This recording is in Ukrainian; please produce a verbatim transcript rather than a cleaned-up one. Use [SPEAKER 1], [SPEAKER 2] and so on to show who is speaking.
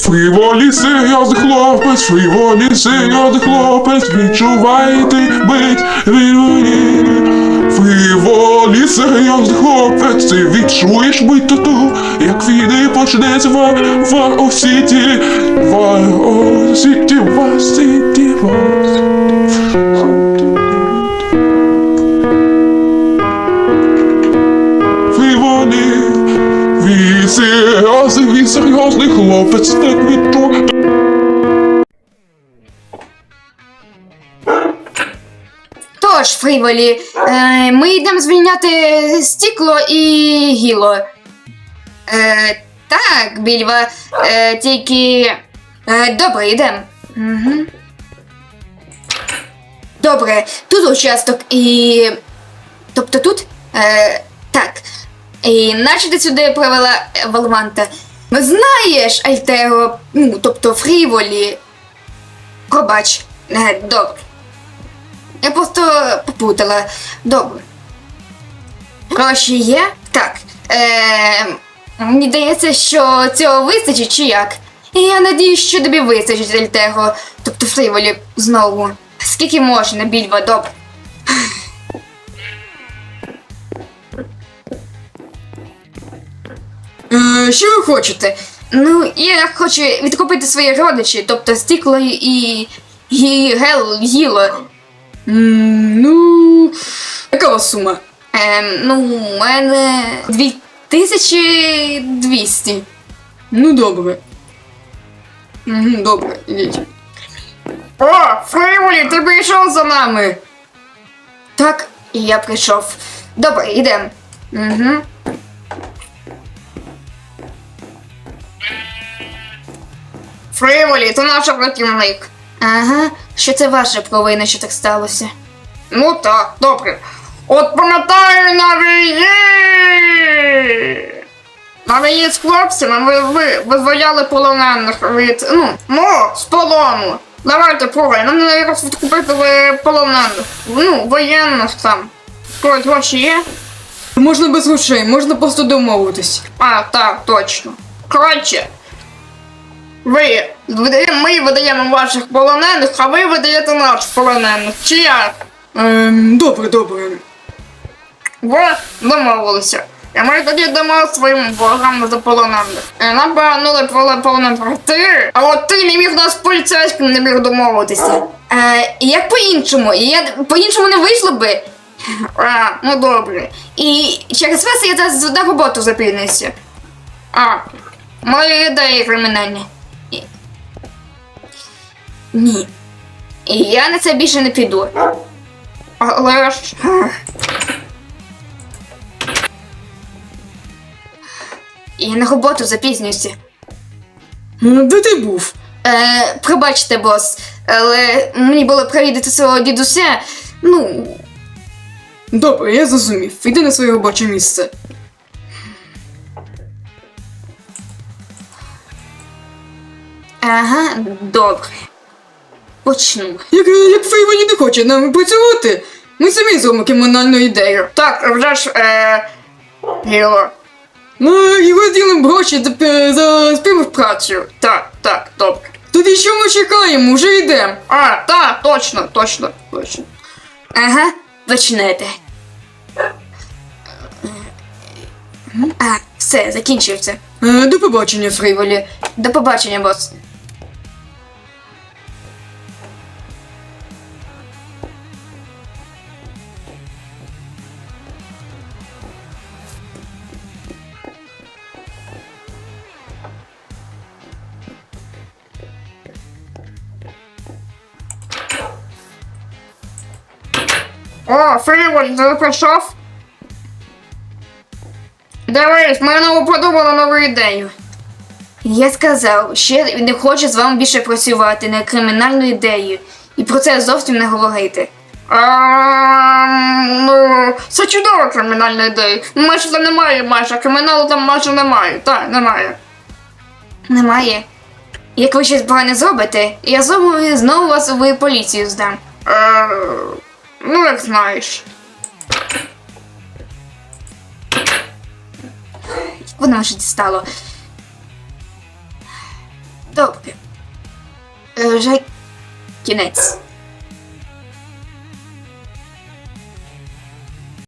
[SPEAKER 1] Фріволі серйозний хлопець, фріволі серйозний хлопець, відчувайте бить фріволі. Фріволі серйозний хлопець, ти відчуєш бить тату, як війни почнеться в Вар Сіті, Вар Сіті, Вар Сіті, Вар Сіті. Фріволі, він серйозний, він серйозний хлопець, так відчує.
[SPEAKER 2] Тож, Фріволі, е, ми йдемо звільняти Стікло і Гіло. Е, так, Більва, е, тільки... Е, добре, йдемо. Угу. Добре, тут участок і... Тобто тут? Е, так. І наче ти сюди привела Валванта. Знаєш, Альтеро, ну, тобто Фріволі. Пробач. Е, добре. Я просто попутала. Добре. Гроші є? Так. Е, мені здається, що цього вистачить, чи як? І я надіюсь, що тобі вистачить, Альтего. Тобто Фріволі знову. Скільки можна, Більва, добре. Е, що ви хочете? Ну, я хочу відкупити свої родичі, тобто Стікло і... і Гел, Гіло. Mm, ну, яка у вас сума? Ем, ну, у мене дві тисячі двісті. Ну, добре. Угу, добре, ідіть. О, Фріволі, ти прийшов за нами. Так, і я прийшов. Добре, йдемо. Угу. Фріволі, ти наш працівник. Ага, що це ваша провина, що так сталося? Ну так, добре. От пам'ятаю на війні! На війні з хлопцями ви, ви визволяли полонених від, ну, ну, з полону. Давайте, пробуй, нам не якось відкупити полонених, ну, воєнних там. Когось гроші є? Можна без грошей, можна просто домовитись. А, так, точно. Коротше. Ви, ми видаємо ваших полонених, а ви видаєте наших полонених. Чи як? Ем, добре, добре. Ви домовилися. І ми тоді дамо своїм ворогам за полонених. І нам повернули полонених ти, а от ти не міг нас з поліцейським не міг домовитися. Е, як по-іншому? Я по-іншому не вийшло би. А, ну добре. І через вас я зараз на роботу запізнюся. А, мої ідеї кримінальні. Ні. І я на це більше не піду. Але ж... Я на роботу запізнююся. Де ти був? Е, пробачте, бос, але мені було провідати свого дідуся, ну... Добре, я зрозумів. Йди на своє робоче місце. Ага, добре. Почну. Як, як Фріволі не хоче нам працювати, ми самі зробимо кримінальну ідею. Так, вже ж, е... Гіло. Ну, і виділимо гроші за, за співпрацю. Так, так, добре. Тоді що ми чекаємо? Вже йдемо. А, так, точно, точно, точно. Ага, почнете. А, все, закінчився. Е, до побачення, Фріволі. До побачення, бос. О, Фріволі, ти прийшов? Дивись, ми знову подумали нову ідею. Я сказав, що я не хочу з вами більше працювати на кримінальну ідею. І про це зовсім не говорити. Ем, ну, це чудова кримінальна ідея. Майже там немає, майже, криміналу там майже немає. Так, немає. Немає? Як ви щось погане зробите, я знову, знову вас в поліцію здам. Ем, ну, як знаєш. Воно вже дістало. Добре. Е, Вже кінець.